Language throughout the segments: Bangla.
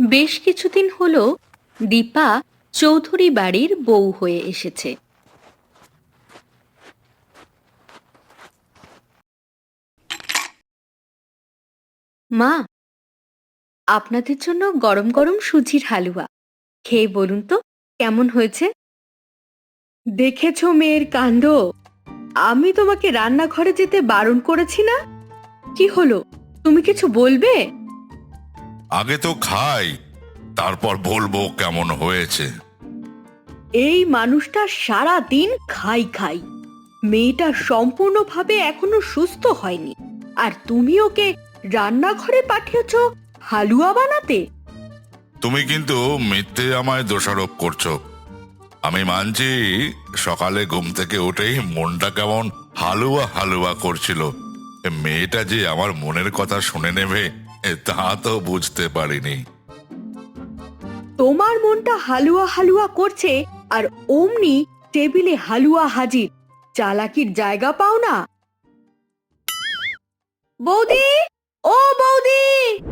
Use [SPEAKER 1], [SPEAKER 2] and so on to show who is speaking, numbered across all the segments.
[SPEAKER 1] বেশ কিছুদিন হলো দীপা চৌধুরী বাড়ির বউ হয়ে এসেছে। মা, আপনাদের জন্য গরম গরম সুজির হালুয়া, খেয়ে বলুন তো কেমন হয়েছে। দেখেছো মেয়ের কাণ্ড? আমি তোমাকে রান্নাঘরে যেতে বারণ করেছি না? কি হলো, তুমি কিছু বলবে?
[SPEAKER 2] আগে তো খাই, তারপর বলবো কেমন হয়েছে।
[SPEAKER 1] এই মানুষটা সারা দিন খাই খাই। মেয়েটা সম্পূর্ণভাবে এখনো সুস্থ হয়নি, আর তুমি ওকে রান্নাঘরে পাঠিয়েছ হালুয়া বানাতে।
[SPEAKER 2] তুমি কিন্তু মিথ্যে আমায় দোষারোপ করছো। আমি মানছি সকালে ঘুম থেকে উঠেই মনটা কেমন হালুয়া হালুয়া করছিল। মেয়েটা যে আমার মনের কথা শুনে নেবে তা তো বুঝতে পারিনি।
[SPEAKER 1] তোমার মনটা হালুয়া হালুয়া করছে, আর অমনি টেবিলে হালুয়া হাজির। চালাকির জায়গা পাও না। বৌদি, ও বৌদি!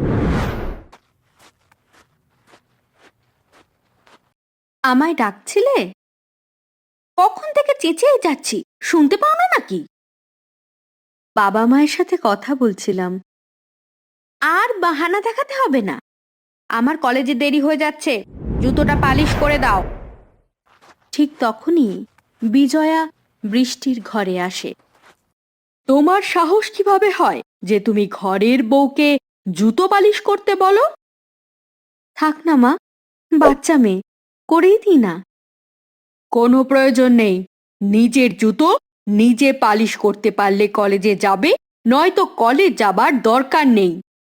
[SPEAKER 1] আমায় ডাকছিলে? কখন থেকে চেঁচিয়ে যাচ্ছি, শুনতে পাও না নাকি? বাবা মায়ের সাথে কথা বলছিলাম। আর বাহানা দেখাতে হবে না। আমার কলেজে দেরি হয়ে যাচ্ছে, জুতোটা পালিশ করে দাও। ঠিক তখনই বিজয়া বৃষ্টির ঘরে আসে। তোমার সাহস কিভাবে হয় যে তুমি ঘরের বউকে জুতো পালিশ করতে বলো? থাক না মা, বাচ্চা মেয়ে, করেই দিই না। কোনো প্রয়োজন নেই। নিজের জুতো নিজে পালিশ করতে পারলে কলেজে যাবে, নয়তো কলেজ যাবার দরকার নেই।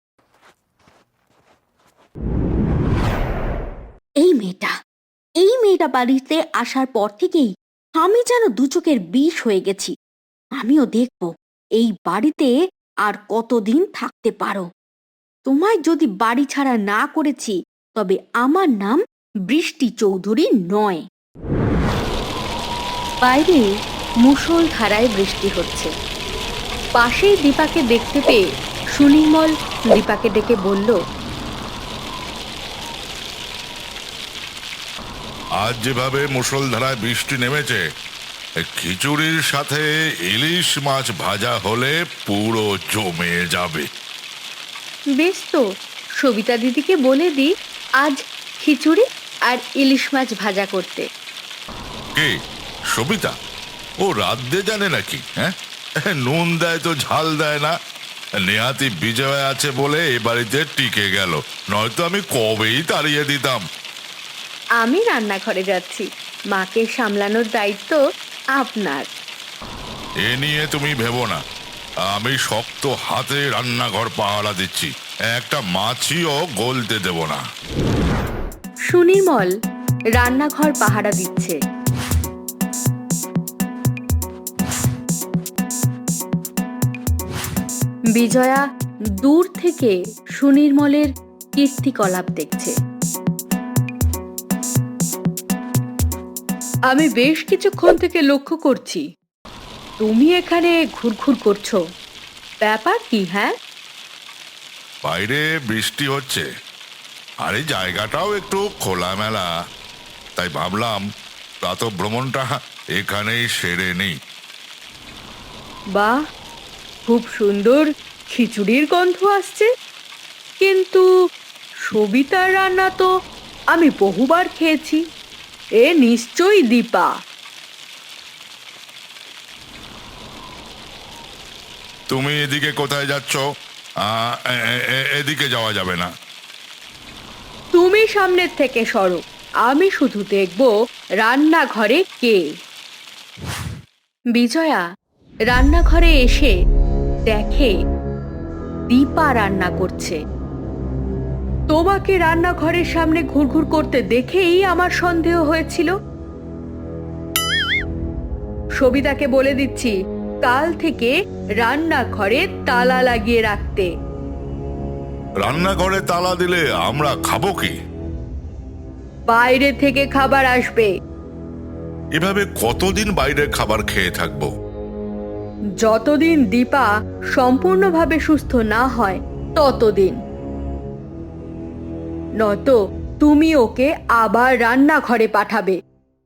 [SPEAKER 1] এই মেয়েটা বাড়িতে আসার পর থেকেই আমি যেন দু চোখের বিষ হয়ে গেছি। আমিও দেখব এই বাড়িতে আর কতদিন থাকতে পারো। তোমায় যদি বাড়ি ছাড়া না করেছি, তবে আমার নাম বৃষ্টি চৌধুরী নয়। বাইরে মুষলধারায় বৃষ্টি হচ্ছে। পাশেই দীপাকে দেখতে পেয়ে সুনির্মল দীপাকে ডেকে বলল,
[SPEAKER 2] আজ যেভাবে মুষলধারায় বৃষ্টি নেমেছে, খিচুড়ির সাথে ইলিশ মাছ ভাজা হলে পুরো জমে যাবে।
[SPEAKER 1] বেশ তো, সবিতা দিদিকে বলে দি আজ খিচুড়ি আর ইলিশ মাছ ভাজা করতে।
[SPEAKER 2] কে? সবিতা? ও রাঁধতে জানে নাকি? হ্যাঁ, নুন দেয় তো ঝাল দেয় না। নেহাতি বিজয় আছে বলে এ বাড়িতে টিকে গেল, নয়তো আমি কবেই তাড়িয়ে দিতাম।
[SPEAKER 1] আমি রান্নাঘরে যাচ্ছি, মাকে সামলানোর দায়িত্ব আপনার।
[SPEAKER 2] এ নিয়ে তুমি ভেবো না, আমি শক্ত হাতে রান্নাঘর পাহারা দিচ্ছি, একটা মাছিও গলতে দেব না।
[SPEAKER 1] সুনির্মল রান্নাঘর পাহারা দিচ্ছে। বিজয়া দূর থেকে সুনির্মলের কীর্তিকলাপ দেখছে। আমি বেশ কিছুক্ষণ থেকে লক্ষ্য করছি তুমি এখানে ঘুরঘুর করছো। ব্যাপার কি? হ্যাঁ,
[SPEAKER 2] বাইরে বৃষ্টি হচ্ছে, আর এই জায়গাটাও একটু খোলামেলা, তাই ভাবলাম প্রাতঃভ্রমণটা এখানেই সেরে নিই।
[SPEAKER 1] বাহ, খুব সুন্দর খিচুড়ির গন্ধ আসছে। কিন্তু সবিতার রান্না তো আমি বহুবার খেয়েছি। এ নিশ্চয়ই দীপা।
[SPEAKER 2] তুমি এদিকে কোথায় যাচ্ছ? এদিকে যাওয়া যাবে না।
[SPEAKER 1] তুমি সামনের থেকে সরো, আমি শুধু দেখব রান্নাঘরে কে। বিজয়া রান্নাঘরে এসে দেখে দীপা রান্না করছে। তোমাকে রান্নাঘরের সামনে ঘুরঘুর করতে দেখেই আমার সন্দেহ হয়েছিল। সবিতাকে বলে দিচ্ছি কাল থেকে রান্নাঘরে তালা লাগিয়ে রাখতে।
[SPEAKER 2] রান্নাঘরে তালা দিলে আমরা খাবো কি?
[SPEAKER 1] বাইরে থেকে খাবার আসবে।
[SPEAKER 2] এভাবে কতদিন বাইরের খাবার খেয়ে থাকবো?
[SPEAKER 1] যতদিন দীপা সম্পূর্ণভাবে সুস্থ না হয় ততদিন। নয়তো তুমি ওকে আবার রান্নাঘরে পাঠাবে।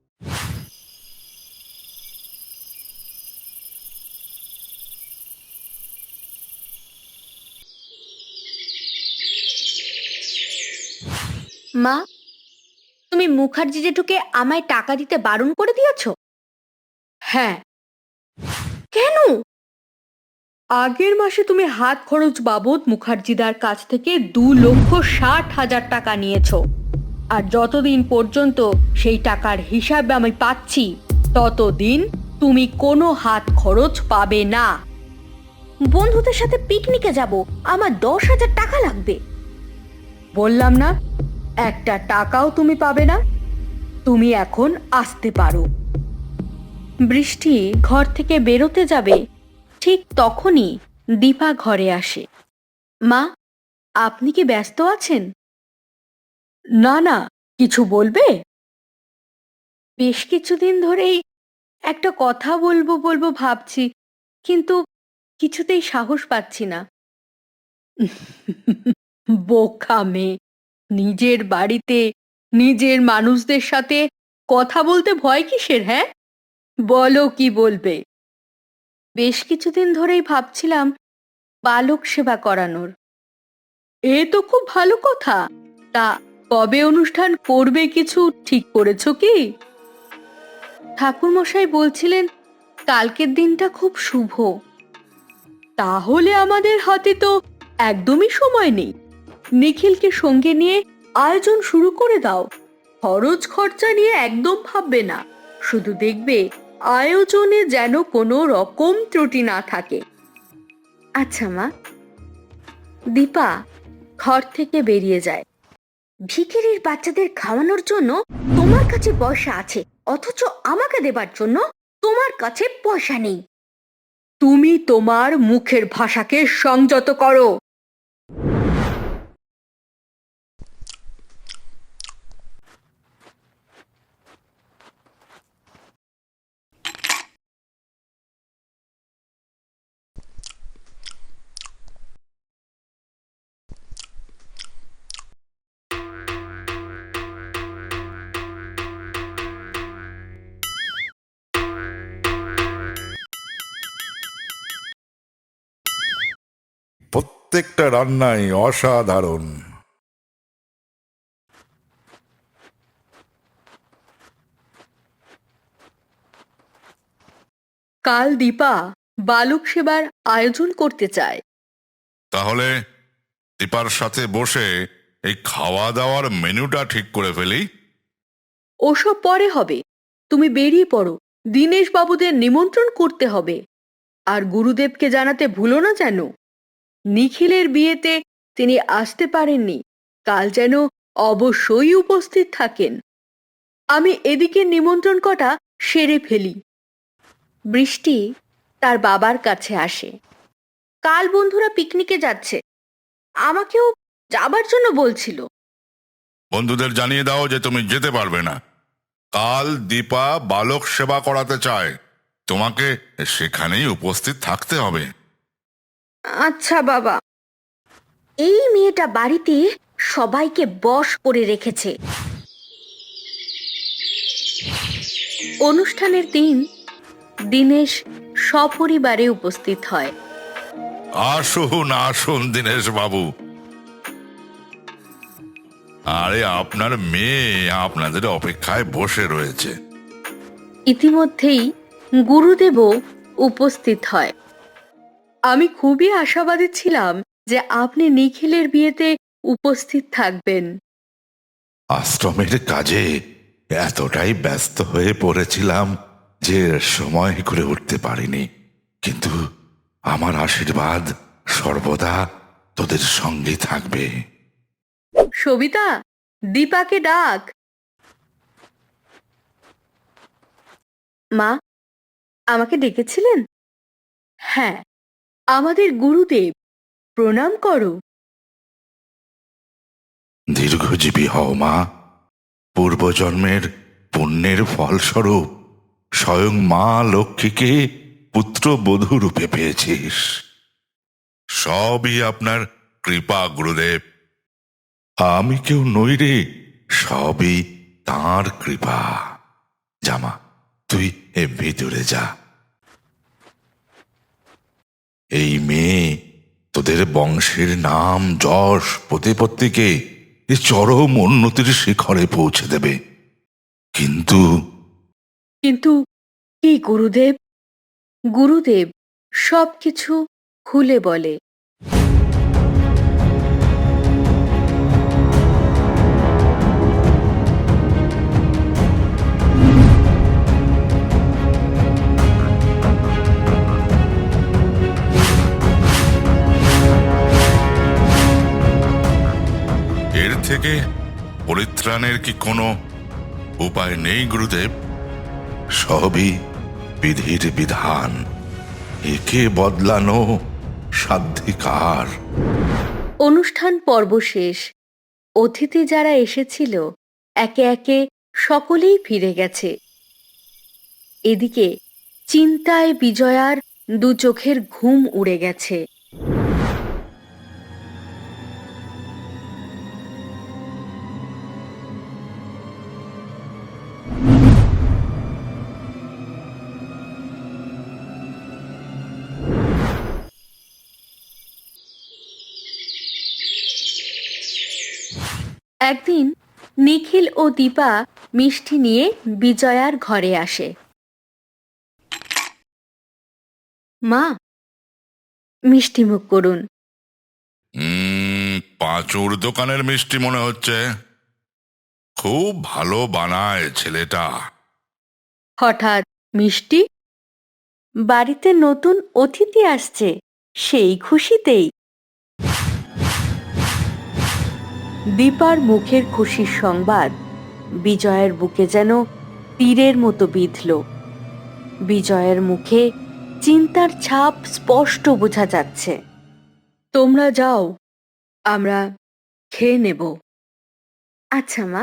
[SPEAKER 1] মা, তুমি মুখার্জি জেঠুকে আমায় টাকা দিতে বারণ করে দিয়েছো? হ্যাঁ। কেন? আগের মাসে তুমি হাত খরচ বাবদ মুখার্জিদার কাছ থেকে 2,60,000 টাকা নিয়েছো, আর যতদিন পর্যন্ত সেই টাকার হিসাব আমি পাচ্ছি ততদিন তুমি কোনো হাত খরচ পাবে না। বন্ধুদের সাথে পিকনিকে যাব, আমার 10,000 টাকা লাগবে। বললাম না, একটা টাকাও তুমি পাবে না। তুমি এখন আসতে পারো। বৃষ্টি ঘর থেকে বেরোতে যাবে, ঠিক তখনই দীপা ঘরে আসে। মা, আপনি কি ব্যস্ত আছেন? না না, কিছু বলবে? বেশ কিছুদিন ধরেই একটা কথা বলবো বলবো ভাবছি, কিন্তু কিছুতেই সাহস পাচ্ছি না। বোকা মেয়ে, নিজের বাড়িতে নিজের মানুষদের সাথে কথা বলতে ভয় কিসের? হ্যাঁ, বলো কি বলবে। বেশ কিছুদিন ধরেই ভাবছিলাম বালক সেবা করানোর। এ তো খুব ভালো কথা। তা কবে অনুষ্ঠান করবে কিছু ঠিক করেছো কি? ঠাকুরমশাই বলছিলেন কালকের দিনটা খুব শুভ। তাহলে আমাদের হাতে তো একদমই সময় নেই। নিখিলকে সঙ্গে নিয়ে আয়োজন শুরু করে দাও। খরচ খরচা নিয়ে একদম ভাববে না, শুধু দেখবে আয়োজনে যেন কোনো রকম ত্রুটি না থাকে। আচ্ছা মা। দীপা ঘর থেকে বেরিয়ে যায়। ভিখিরির বাচ্চাদের খাওয়ানোর জন্য তোমার কাছে পয়সা আছে, অথচ আমাকে দেবার জন্য তোমার কাছে পয়সা নেই। তুমি তোমার মুখের ভাষাকে সংযত করো।
[SPEAKER 2] প্রত্যেকটা রান্নাই অসাধারণ।
[SPEAKER 1] কাল দীপা বালক সেবার আয়োজন করতে চায়।
[SPEAKER 2] তাহলে দীপার সাথে বসে এই খাওয়া দাওয়ার মেনুটা ঠিক করে ফেলি।
[SPEAKER 1] ওসব পরে হবে, তুমি বেরিয়ে পড়ো। দীনেশ বাবুদের নিমন্ত্রণ করতে হবে, আর গুরুদেবকে জানাতে ভুলো না যেন। নিখিলের বিয়েতে তিনি আসতে পারেননি, কাল যেন অবশ্যই উপস্থিত থাকেন। আমি এদিকে নিমন্ত্রণ কটা সেরে ফেলি। বৃষ্টি তার বাবার কাছে আসে। কাল বন্ধুরা পিকনিকে যাচ্ছে, আমাকেও যাবার জন্য বলছিল।
[SPEAKER 2] বন্ধুদের জানিয়ে দাও যে তুমি যেতে পারবে না। কাল দীপা বালক সেবা করাতে চায়, তোমাকে সেখানেই উপস্থিত থাকতে হবে।
[SPEAKER 1] আচ্ছা বাবা। এই মেয়েটা বাড়িতে সবাইকে বশ করে রেখেছে। অনুষ্ঠানের দিন দীনেশ সপরিবারে উপস্থিত হয়।
[SPEAKER 2] আসুন আসুন দীনেশ বাবু। আরে আপনার মেয়ে আপনাদের অপেক্ষায় বসে রয়েছে।
[SPEAKER 1] ইতিমধ্যেই গুরুদেবও উপস্থিত হয়। আমি খুবই আশাবাদী ছিলাম যে আপনি নিখিলের বিয়েতে উপস্থিত থাকবেন।
[SPEAKER 2] আশ্রমের কাজে এতটাই ব্যস্ত হয়ে পড়েছিলাম যে সময় করে উঠতে পারিনি, কিন্তু আমার আশীর্বাদ সর্বদা তোদের সঙ্গে থাকবে।
[SPEAKER 1] সবিতা, দীপাকে ডাক। মা, আমাকে ডেকেছিলেন? হ্যাঁ, আমাদের গুরুদেব, প্রণাম করো।
[SPEAKER 2] দীর্ঘজীবী হও মা। পূর্বজন্মের পুণ্যের ফলস্বরূপ স্বয়ং মা লক্ষ্মীকে পুত্রবধূ রূপে পেয়েছিস। সবই আপনার কৃপা গুরুদেব। আমি কেউ নই রে, সবই তাঁর কৃপা। জামা, তুই ভিতরে যা। এই মেয়ে তোদের বংশের নাম যশ প্রতিপত্তিকে এ চরম উন্নতির শিখরে পৌঁছে দেবে। কিন্তু
[SPEAKER 1] কিন্তু কি গুরুদেব? গুরুদেব সবকিছু খুলে বলে।
[SPEAKER 2] এর থেকে পরিত্রাণের কি কোনো উপায় নেই গুরুদেব? সবই বিধির বিধান, একে বদলানো সাধ্যিকার।
[SPEAKER 1] অনুষ্ঠান পর্ব শেষ। অতিথি যারা এসেছিল একে একে সকলেই ফিরে গেছে। এদিকে চিন্তায় বিজয়ার দু চোখের ঘুম উড়ে গেছে। একদিন নিখিল ও দীপা মিষ্টি নিয়ে বিজয়ার ঘরে আসে। মা, মিষ্টি মুখ করুন।
[SPEAKER 2] পাঁচুর দোকানের মিষ্টি মনে হচ্ছে। খুব ভালো বানায় ছেলেটা।
[SPEAKER 1] হঠাৎ মিষ্টি? বাড়িতে নতুন অতিথি আসছে, সেই খুশিতেই। দীপার মুখের খুশির সংবাদ বিজয়ের বুকে যেন তীরের মতো বিঁধল। বিজয়ের মুখে চিন্তার ছাপ স্পষ্ট বোঝা যাচ্ছে। তোমরা যাও, আমরা খেয়ে নেব। আচ্ছা মা।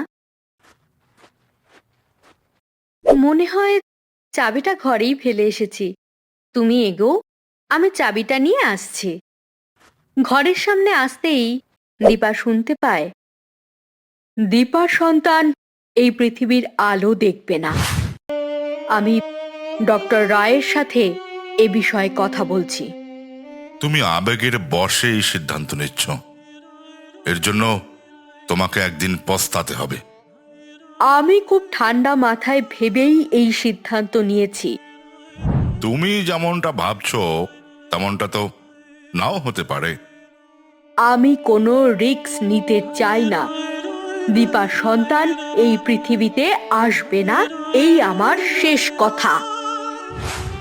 [SPEAKER 1] মনে হয় চাবিটা ঘরেই ফেলে এসেছি। তুমি এগো, আমি চাবিটা নিয়ে আসছি। ঘরের সামনে আসতেই দীপা শুনতে পায়, দীপার সন্তান এই পৃথিবীর আলো দেখবে না। আমি ডক্টর রায়ের সাথে এ বিষয়ে কথা বলছি।
[SPEAKER 2] তুমি আবেগের বশে এই সিদ্ধান্ত নিচ্ছ। এর জন্য তোমাকে একদিন পস্তাতে হবে।
[SPEAKER 1] আমি খুব ঠান্ডা মাথায় ভেবেই এই সিদ্ধান্ত নিয়েছি।
[SPEAKER 2] তুমি যেমনটা ভাবছো তেমনটা তো নাও হতে পারে।
[SPEAKER 1] আমি কোনো রিস্ক নিতে চাই না। দীপার সন্তান এই পৃথিবীতে আসবে না, এই আমার শেষ কথা।